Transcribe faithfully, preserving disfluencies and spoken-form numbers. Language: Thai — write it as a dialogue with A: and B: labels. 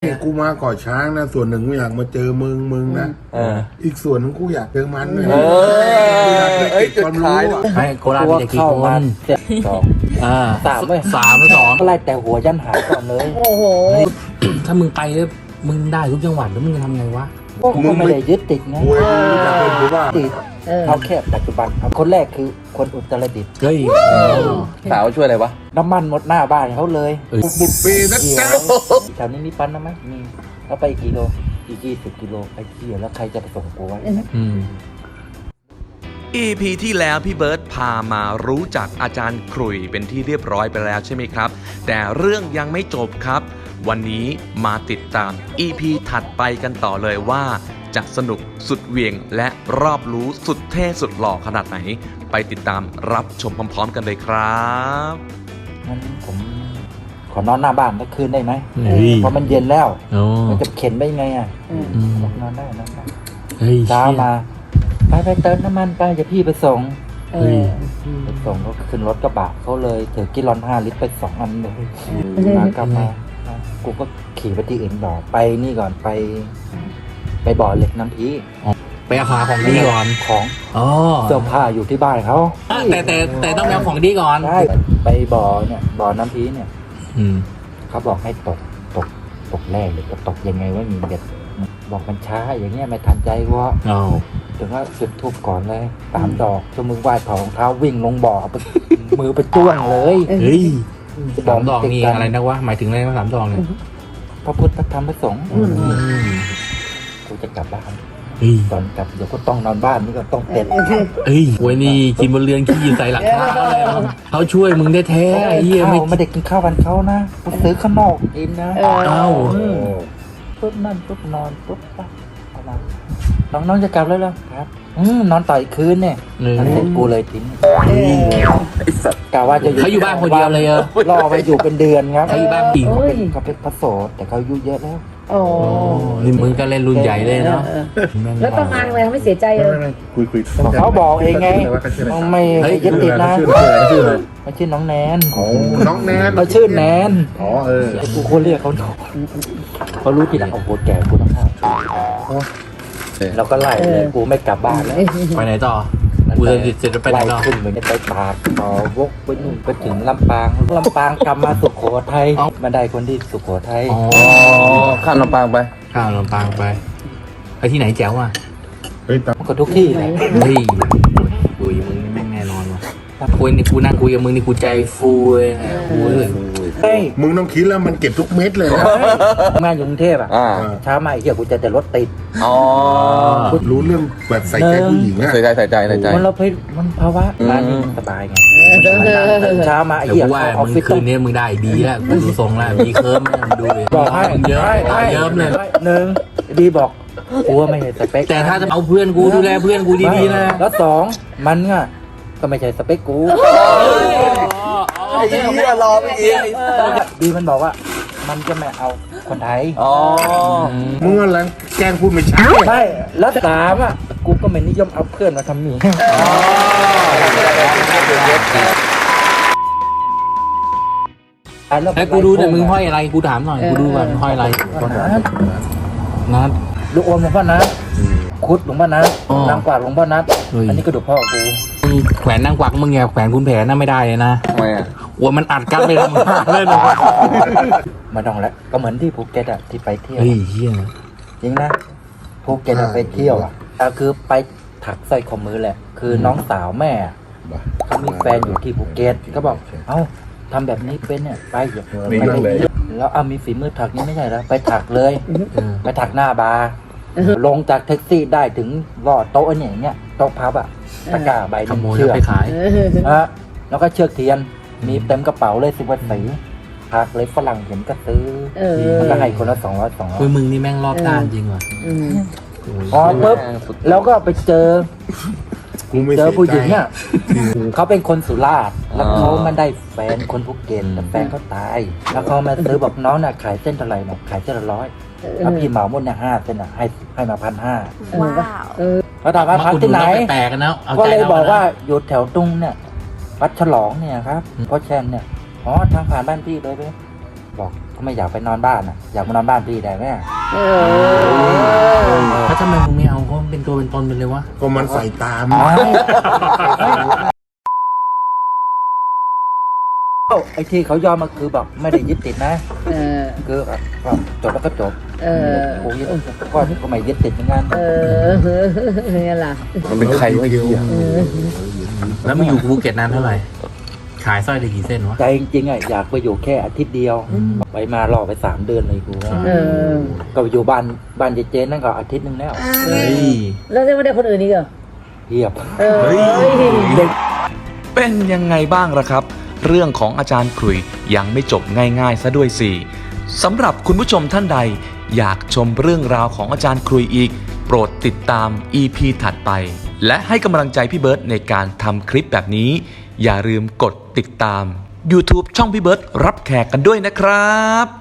A: กูมาก่อช้างนะส่วนหนึ่งกูอยากมาเจอมึงมึงนะอีกส่วนนึงกูอยากเจอมันเลย
B: เออเอ้ยจุดขาย
C: ให้โคราชมีแต่กี่คนสองอ่าสามเลยสามหรือสองก็ไล่แต่หัวยันหายก่อนเลยโอ้โหถ้ามึงไปแล้วมึงได้ทุกจังหวัดแล้วมึงจะทำไงวะมึงไม่ได้ยึดติดไงติดเขาแค่ปัจจุบันคนแรกคือคนอุตรดิตถ์เฮ้ย
B: สาวช่วยอะไรวะ
C: น้ำมันหมดหน้าบ้านเขาเลย
A: บุดปีนะจ๊ะ
C: แถวนี้มีปั๊มนะไหมมีแล้วไปกี่โลอีกยี่สิบกิโลไปเที่ยวแล้วใครจะไปส่งกูไว้
D: อี พี ที่แล้วพี่เบิร์ตพามารู้จักอาจารย์ขรุ่ยเป็นที่เรียบร้อยไปแล้วใช่ไหมครับแต่เรื่องยังไม่จบครับวันนี้มาติดตาม อี พี ถัดไปกันต่อเลยว่าจะสนุกสุดเหวี่ยงและรอบรู้สุดเท่สุดหล่อขนาดไหนไปติดตามรับชมพร้อมๆกันเลยครับ
C: งั้นผมขอนอนหน้าบ้านสักคืนได้ไหมเพราะมันเย็นแล้วมันจะเข็นได้ไงอ่ะนอนได้นอนได้เช้ามาไปไปเติมน้ำมันไปจะพี่ไปส่งไปส่งเขาขึ้นรถกระบะเขาเลยถือกิลอนห้าลิตรไปสองอันเลยมากลับมากูก็ขี่ไปที่อื่นต่อไปนี่ก่อนไปไปบ่อเหล็กน้ำพี
E: ไปเอาของของดีก่อน
C: ของเสื้อผ้าอยู่ที่บ้านเขา
E: แต่แต่แต่ต้องเอาของดีก่อน
C: ใช่ไปบ่อเนี่ยบ่อน้ำพีเนี่ยเขาบอกให้ตกตกตกแร่หรือก็ตกยังไงว่ามีเด็ดบอกมันช้าอย่างเงี้ยไม่ทันใจวะถึงว่าจุดทูบก่อนเลยสามดอกชั่วโมงไหว้ถอดรองเท้าวิ่งลงบ่อมือไปจ้วงเลย
E: เฮ้ยสามดอกนี่อะไรนะวะหมายถึงอะไรนะสามดอกเนี่ย
C: พระพุทธพระธรรมพระสงฆ์กูจะกลับบ้านตอนกลับเดี๋ยวก็ต้องนอนบ้านนี่ก็ต้องเต็ด
E: เฮ้ยโว้ยนี่กินบนเรือนขี้ใส่หลังคาเลยเขาช่วยมึงได้แท้ไอ้เหี้ย
C: ไม่ไม่ได้กินข้าววันเขานะกูซื้อข้างนอกกินนะ
E: เอ้า
C: ปุ๊บนั่นปุ๊บนอนปุ๊บปั๊บน้องน้องจะกลับแล้วเหรอครับอืมนอนต่ออีกคืนเนี่ยเสร็จกูเลยทิ้ง
B: ไอ้สัตว์
C: กะว่าจะอยู่
E: เขาอยู่บ้านคนเดียวเลยเออ
C: รอไปอยู่เป็นเดือนครับ
E: เขาอยู่บ้านปี
C: เขาเป็นเขาเป็นพระโสดแต่เขาอายุเยอะแล้ว
E: โอ้นี่มึงก็เล่นรุ่นใหญ่เลยเนาะ
F: แล้วต้องมาทำไมไม่เสียใจเลย
A: คุยคุย
C: เขาบอกเองไงไม่ยึดติดนะเขาชื่อน้องแนน
A: น้องแนน
C: เขาชื่อแนน
A: อ๋อเออ
C: กูคนเรียกเขาเขารู้ทีหลังเอาโหแก่กูต้องห้ามเราก็ไล่เลยกูไม่กลับบ้านแล้ว
E: ไปไหนต่อกูจะเสร็จจะไปไหนต่อ
C: ขึ้นเหมือนจะไปปากต่อวกไปนู่นไปถึงลำปางลำปางกลับมาสุโขทัยมาได้คนที่สุโขทัย
B: อ๋อข้ามลำปางไป
E: ข้ามลำปางไปไปที่ไหนแจ๋วอ่ะ
A: เฮ้ย
C: ก็ทุกที่เลย
E: เฮ้ยคุยมึงนี่แม่งแน่นอนว่ะคุยนี่กูนั่งคุยกับมึงนี่กูใจฟูเลยฟูเลย
C: เฮ้ย
A: มึงต้องคิดแล้วมันเก็บทุกเม็ดเลยนะ
C: งานอยู่กรุงเทพอ่ะเช้ามาไอ้เหี้ยกูจะแต่รถติด
B: อ๋อ
A: รู้เรื่องแบบใส่ใจผู้หญิงอะ
B: ใส่ใจใส่ใจใส่ใจ
C: มันเราเพยมันภาวะงานนี้สบายไงเช้ามาไอ้เหี้ย
E: ว่ามึงคืนนี้มึงได้ดีแล้วกูดูทรงแล้วดีเคิร์มดูเลย
C: บอกให้
E: เยอะเยอะเลย
C: หนึ่งดีบอกกูว่าไม่ใช่สเปค
E: แต่ถ้าจะเอาเพื่อนกูดูแลเพื่อนกูดีๆนะ
C: แล้วสองมันอ่ะก็ไม่ใช่สเปคกู
B: ไอ้เหี้ยรอไปอีก
C: ดีมันบอกว่ามันจะไม่เอาคนไทย
B: อ๋อ
A: มึงอะไรแกล้งพูดไม่ชัด
C: ใช่แล้วสามอ่ะกูก็ไม่นิยมเอาเพื่อนมาทำหนี
E: ให้กูดูแต่มึงห้อยอะไรกูถามหน่อยกูดูว่ามึงห้อยอะไรนัด
C: ลูกอมหลวงพ่อนัดคุดหลวงพ่อนัดนางกวาดหลวงพ่อนัดอันนี้กระดูกพ่อกู
E: แขวนนางกวักมึงไงแขวนคุณแผลน่าไม่ได้เลยนะ
B: ทำไมอ่ะ
E: วัวมันอัดกันไปทำงานเลยนะ
C: มาดองแล้วก็เหมือนที่ภูเก็ตอ่ะที่ไปเที่ยว
E: เฮ้ยเฮีย
C: จริงนะภูเก็ตไปเที่ยวอ่ะคือไปถักสร้อยข้อมือแหละคือน้องสาวแม่เขามีแฟนอยู่ที่ภูเก็ตก็บอกเอ้าทำแบบนี้เป็นเนี่ยไปอย่าไปแล้วเอามีฝีมือถักนี่ไม่ใช่แล้วไปถักเลยไปถักหน้าบาร์ลงจากแท็กซี่ได้ถึงรอดโต๊ะเนี่ยอย่างเงี้ยโต๊ะพับอ่ะตะกร้าใบหนึ่งเชือก
E: ไปขาย
C: ฮะแล้วก็เชือกเทียนมีเต็มกระเป๋าเลยสิบวันสีถักเลยฝรั่งเห็นก็ซื้อมันก็ให้คนละสองร้อยสองร้อย
E: มึงนี่แม่งรอบด้านจริงว่ะ
C: อ๋อปุ๊บแล้วก็ไปเจอเจอผู้หญิงเนี่ยเขาเป็นคนสุราษฎร์แล้วเขามาได้แฟนคนภูเก็ตแต่แฟนเขาตายแล้วเขามาซื้อบอกน้องน่ะขายเส้นเท่าไหร่บอกขายเส้นละร้อยแล้วพี่เหมาหมดเนี่ยห้าเส้นอ่ะให้ให้มาพันห้าว้าวแล้วถามว่าพักที่ไหนก็เลยบอกว่าอยู่แถวตุ้งเนี่ยวัดฉลองเนี่ยครับพ่อแชมเนี่ยอ๋อทางผ่านบ้านพี่เลยไปบอกเขาไม่อยากไปนอนบ้านอ่ะอยากมานอนบ้านพี่ได้ไหม
F: เออ
E: แล้วทำไมมึงไม่เอาเขาเป็นตัวเป็นตนไปเลยวะ
A: ก็มันใส่ตาม
C: เอ้าไอ้ที่เขายอมมาคือแบบไม่ได้ยึดติดนะ
F: เออ
C: คือแบบจบแล้วก็จบ
F: เออ
C: กูยึดก็ก็ไม่ยึดติดเหมือนกัน
F: เออเนี่ยล่ะ
B: มันเป็นใครวะไอ้เหี้ย
E: แล้วมึงอยู่ภูเก็ตนานเท่าไหร่ขายสร้อยได้กี่เส้นวะ
C: ใจจริงๆอ่ะอยากไปอยู่แค่อาทิตย์เดียวไปมารอไปสามเดือนเลยกู
F: เออ
C: ก็ไปอยู่บ้านบ้านเจเจนนั่นก็อาทิตย์นึงแล้ว
E: เฮ้ย
F: แล้วจะไม่ได้คนอื่นอีกเหรอ
C: เทียบ
F: เออ
D: เป็นยังไงบ้างล่ะครับ เรื่องของอาจารย์ขลุยยังไม่จบง่ายๆซะด้วยสิสำหรับคุณผู้ชมท่านใดอยากชมเรื่องราวของอาจารย์ขลุยอีกโปรดติดตาม อี พี ถัดไปและให้กำลังใจพี่เบิร์ตในการทำคลิปแบบนี้อย่าลืมกดติดตาม YouTube ช่องพี่เบิร์ตรับแขกกันด้วยนะครับ